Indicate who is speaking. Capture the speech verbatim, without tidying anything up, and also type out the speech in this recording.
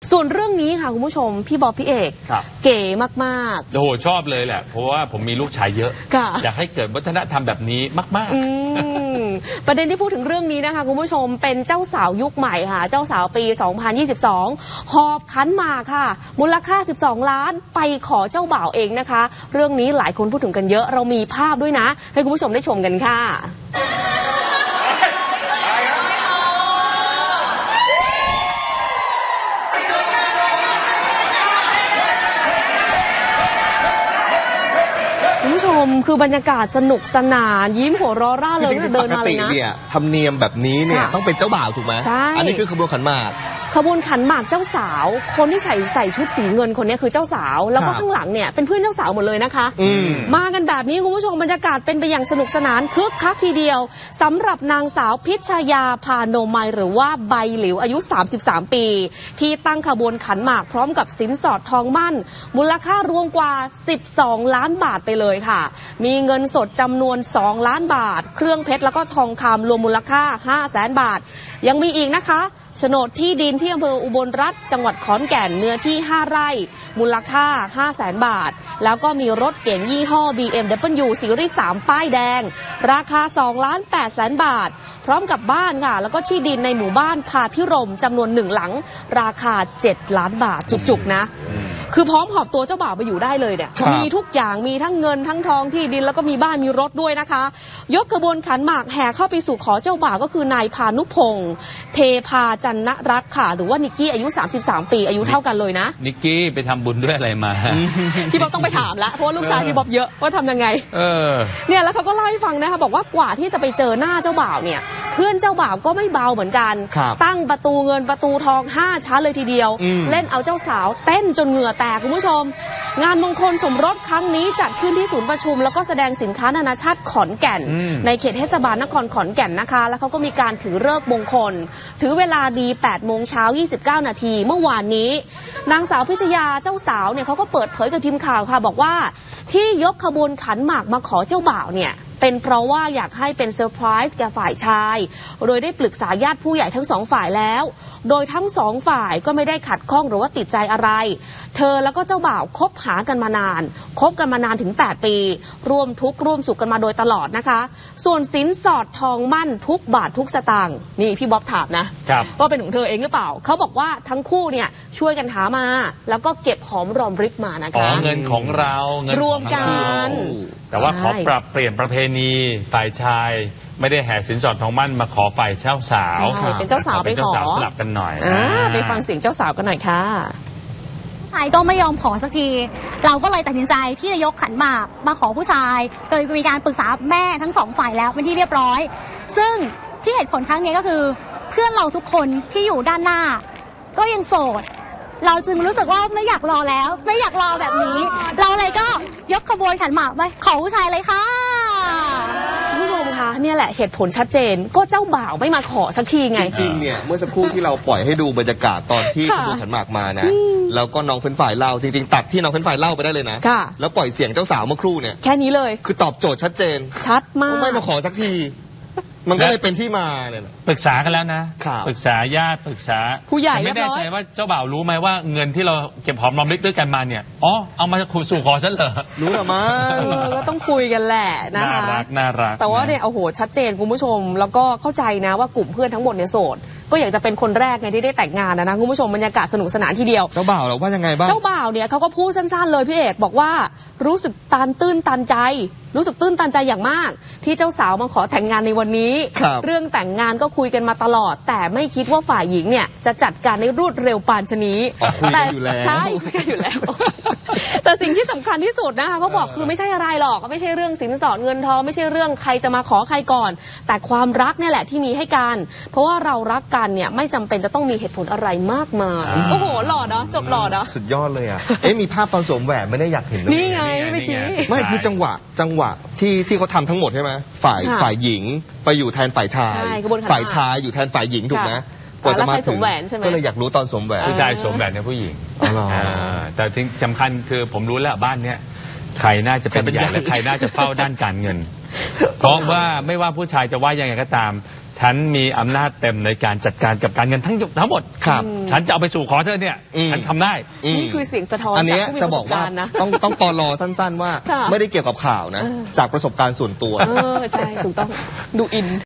Speaker 1: ส่วนเรื่องนี้ค่ะคุณผู้ชมพี่บอบพี่เอกเก๋มากๆ
Speaker 2: โอ้โหชอบเลยแหละเพราะว่าผมมีลูกชายเยอะอยากให้เกิดวัฒนธรรมแบบนี้มาก
Speaker 1: ๆประเด็นที่พูดถึงเรื่องนี้นะคะคุณผู้ชมเป็นเจ้าสาวยุคใหม่ค่ะเจ้าสาวปีสองพันยี่สิบสองหอบขันหมากค่ะมูลค่าสิบสองล้านไปขอเจ้าบ่าวเองนะคะเรื่องนี้หลายคนพูดถึงกันเยอะเรามีภาพด้วยนะให้คุณผู้ชมได้ชมกันค่ะคุณผู้ชมคือบรรยากาศสนุกสนานยิ้มหัวเราะร่าเริงเดินมาเลยนะ
Speaker 3: เนี่ยธรรมเนียมแบบนี้เนี่ยต้องเป็นเจ้าบ่าวถูกไหม
Speaker 1: ใช่
Speaker 3: อันนี้คือขบวนขันหมาก
Speaker 1: ขบวนขันหมากเจ้าสาวคนที่ใส่ใส่ชุดสีเงินคนนี้คือเจ้าสาวแล้วก็ข้างหลังเนี่ยเป็นเพื่อนเจ้าสาวหมดเลยนะคะมากันแบบนี้คุณผู้ชมบรรยากาศเป็นไปอย่างสนุกสนานคึกคักทีเดียวสำหรับนางสาวพิชยาพาโนมัยหรือว่าใบหลิวอายุสามสิบสามปีที่ตั้งขบวนขันหมากพร้อมกับสินสอดทองมั่นมูลค่ารวมกว่าสิบสองล้านบาทไปเลยค่ะมีเงินสดจำนวนสองล้านบาทเครื่องเพชรแล้วก็ทองคำรวมมูลค่าห้าแสนบาทยังมีอีกนะคะโฉนดที่ดินที่อำเภออุบลรัตน์จังหวัดขอนแก่นเนื้อที่ห้าไร่มูลค่าห้าแสนบาทแล้วก็มีรถเก๋งยี่ห้อ บี เอ็ม ดับเบิลยู ซีรีส์สามป้ายแดงราคาสองล้านแปดแสนบาทพร้อมกับบ้านค่ะแล้วก็ที่ดินในหมู่บ้านพาพิรมจำนวนหนึ่งหลังราคาเจ็ดล้านบาทจุกๆนะคือพร้อมหอบตัวเจ้าบ่าวไปอยู่ได้เลยเนี่ยมีทุกอย่างมีทั้งเงินทั้งทองที่ดินแล้วก็มีบ้านมีรถด้วยนะคะยกขบวนขันหมากแห่เข้าไปสู่ขอเจ้าบ่าวก็คือนายพานุพงษ์เทพาจันนรัตน์ค่ะหรือว่านิกกี้อายุสามสิบสามปีอายุเท่ากันเลยนะ
Speaker 2: นิกกี้ไปทำบุญด้วยอะไรมา
Speaker 1: พี่บ๊อบต้องไปถามแล้วเพราะว่าลูกชายพี่บ๊อบเยอะว่าทำยังไง
Speaker 2: เออ
Speaker 1: เนี่ยแล้วเขาก็เล่าให้ฟังนะคะบอกว่ากว่าที่จะไปเจอหน้าเจ้าบ่าวเนี่ยเพื่อนเจ้าบ่าวก็ไม่เบาเหมือนกันตั้งประตูเงินประตูทองห้าชั้นเลยทีเดียวเล่นเอาเจ้าสาวเต้นจนเหงื่อแตกคุณผู้ชมงานมงคลสมรสครั้งนี้จัดขึ้นที่ศูนย์ประชุมแล้วก็แสดงสินค้านานาชาติขอนแก่นในเขตเทศบาลนครขอนแก่นนะคะแล้วเขาก็มีการถือฤกษ์มงคลถือเวลาดีแปดโมงเช้ายี่สิบเก้านาทีเมื่อวานนี้นางสาวพิชยาเจ้าสาวเนี่ยเขาก็เปิดเผยกับทีมข่าวค่ะบอกว่าที่ยกขบวนขันหมากมาขอเจ้าบ่าวเนี่ยเป็นเพราะว่าอยากให้เป็นเซอร์ไพรส์แก่ฝ่ายชายโดยได้ปรึกษาญาติผู้ใหญ่ทั้งสองฝ่ายแล้วโดยทั้งสองฝ่ายก็ไม่ได้ขัดข้องหรือว่าติดใจอะไรเธอแล้วก็เจ้าบ่าวคบหากันมานานคบกันมานานถึงแปดปีร่วมทุกข์ร่วมสุขกันมาโดยตลอดนะคะส่วนสินสอดทองมั่นทุกบาททุกสตางค์นี่พี่บ๊อบถามนะว่าเป็นของเธอเองหรือเปล่าเขาบอกว่าทั้งคู่เนี่ยช่วยกันหามาแล้วก็เก็บหอมรอมริบมานะคะ
Speaker 2: อ๋อเงินของเราเงิน
Speaker 1: รวมกัน
Speaker 2: แต่ว่าขอปรับเปลี่ยนประเพณีฝ่ายชายไม่ได้แห่สินสอดทองมั่นมาขอฝ่ายเจ้าสาว
Speaker 1: เป็นเจ้าสาวไปขอ
Speaker 2: สลับกันหน่อย
Speaker 1: ไปฟังเสียงเจ้าสาวกันหน่อยค่ะ
Speaker 4: ชายก็ไม่ยอมขอสักทีเราก็เลยตัดสินใจที่จะยกขันหมากมาขอผู้ชายโดยมีการปรึกษาแม่ทั้งสองฝ่ายแล้วเป็นที่เรียบร้อยซึ่งที่เหตุผลครั้งนี้ก็คือเพื่อนเราทุกคนที่อยู่ด้านหน้าก็ยังโสดเราจึงรู้สึกว่าไม่อยากรอแล้วไม่อยากรอแบบนี้เราเลยก็ยกขบวนขันหมากไปขอผู้ชายเลยค่ะ
Speaker 1: คุณผู้ชมคะเนี่ยแหละเหตุผลชัดเจนก็เจ้าบ่าวไม่มาขอสักทีไง
Speaker 3: จริงๆเนี่ยเมื่อสักครู่ที่เราปล่อยให้ดูบรรยากาศตอนที่ขบวนขันหมากมานะแล้วก็น้องเฟ้นฝ่ายเล่าจริงๆตัดที่น้องเฟ้นฝ่ายเล่าไปได้เลยนะแล้วปล่อยเสียงเจ้าสาวเมื่อครู่เนี่ย
Speaker 1: แค่นี้เลย
Speaker 3: คือตอบโจทย์ชัดเจน
Speaker 1: ชัดมาก
Speaker 3: ไม่มาขอสักทีมันก็เลยเป็นที่มาเนี่ย
Speaker 2: ปรึกษากันแล้วนะปรึกษาญาติปรึกษา
Speaker 1: ผู้ใหญ่
Speaker 2: ไม่แน่ใจว่าเจ้าบ่าวรู้ไหมว่าเงินที่เราเก็บหอมรอมริบด้วยกันมาเนี่ยอ๋อเอามาคุยสู่ขอฉันเหรอ
Speaker 3: รู้หรือมั้ง
Speaker 1: ก็ต้องคุยกันแหละนะคะ
Speaker 2: น่ารักน่ารัก
Speaker 1: แต่ว่าเนี่ยโอ้โหชัดเจนคุณผู้ชมแล้วก็เข้าใจนะว่ากลุ่มเพื่อนทั้งหมดเนี่ยโสดก็อยากจะเป็นคนแรกไงที่ได้แต่งงานนะนะคุณผู้ชมบรรยากาศสนุกสนานทีเดียว
Speaker 3: เจ้าบ่าวเราว่ายังไงบ้าง
Speaker 1: เจ้าบ่าวเนี่ยเขาก็พูดสั้นๆเลยพี่เอกบอกว่ารู้สึกตันตื้นตันใจรู้สึกตื้นตันใจอย่างมากที่เจ้าสาวมาขอแต่งงานในวันนี้เรื่องแต่งงานก็คุยกันมาตลอดแต่ไม่คิดว่าฝ่ายหญิงเนี่ยจะจัดการในรวดเร็วปานชนี
Speaker 3: แต่
Speaker 1: ใช่คุยกันอยู่แล้วแต่สิ่งที่สำคัญที่สุดนะคะเขาบอกคือไม่ใช่อะไรหรอกไม่ใช่เรื่องสินสอดเงินทองไม่ใช่เรื่องใครจะมาขอใครก่อนแต่ความรักเนี่ยแหละที่มีให้กันเพราะว่าเรารักกันเนี่ยไม่จำเป็นจะต้องมีเหตุผลอะไรมากมายโอ้โหหล่อเนาะจบหล่อเนาะ
Speaker 3: สุดยอดเลยอ่ะเอ๊ะมีภาพตอนสวมแหวนไม่ได้อยากเห็น
Speaker 1: นี่ไงเมื่อกี้
Speaker 3: ไม่คือจังหวะจังหวะที่ที่เขาทำทั้งหมดใช่ไหมฝ่ายฝ่ายหญิงไปอยู่แทนฝ่ายชายฝ่ายชายอยู่แทนฝ่ายหญิงถูกไหม
Speaker 1: กว่าจะมาถึง
Speaker 3: ก็เลยอยากรู้ตอนสวมแหวน
Speaker 2: ผู้ชายสวมแหวนในผู้หญิงแต่ที่สำคัญคือผมรู้แล้วบ้านเนี้ยใครน่าจะเป็นใหญ่และใครน่าจะเฝ้าด้านการเงินเพราะว่าไม่ว่าผู้ชายจะว่ายังไงก็ตามฉันมีอำนาจเต็มในการจัดการกับการเงินทั้งทั้งหมด
Speaker 3: ครับ
Speaker 2: ฉันจะเอาไปสู่ขอเธอเนี่ย
Speaker 3: อืม
Speaker 2: ฉันทำได้
Speaker 1: นี่คือเสียงสะท้อน
Speaker 3: อัน
Speaker 1: จาก
Speaker 3: เนี้ย
Speaker 1: ผู้มี
Speaker 3: จะ
Speaker 1: ประ
Speaker 3: บ
Speaker 1: ส
Speaker 3: อก
Speaker 1: บ
Speaker 3: ว่า
Speaker 1: การณ์นะ
Speaker 3: ต้องต้องปลอสั้น ๆ ว่า
Speaker 1: ค่ะ
Speaker 3: ไม่ได้เกี่ยวกับข่าวนะ จากประสบการณ์ส่วนตัว
Speaker 1: เออใช่ถูกต้องดูอิน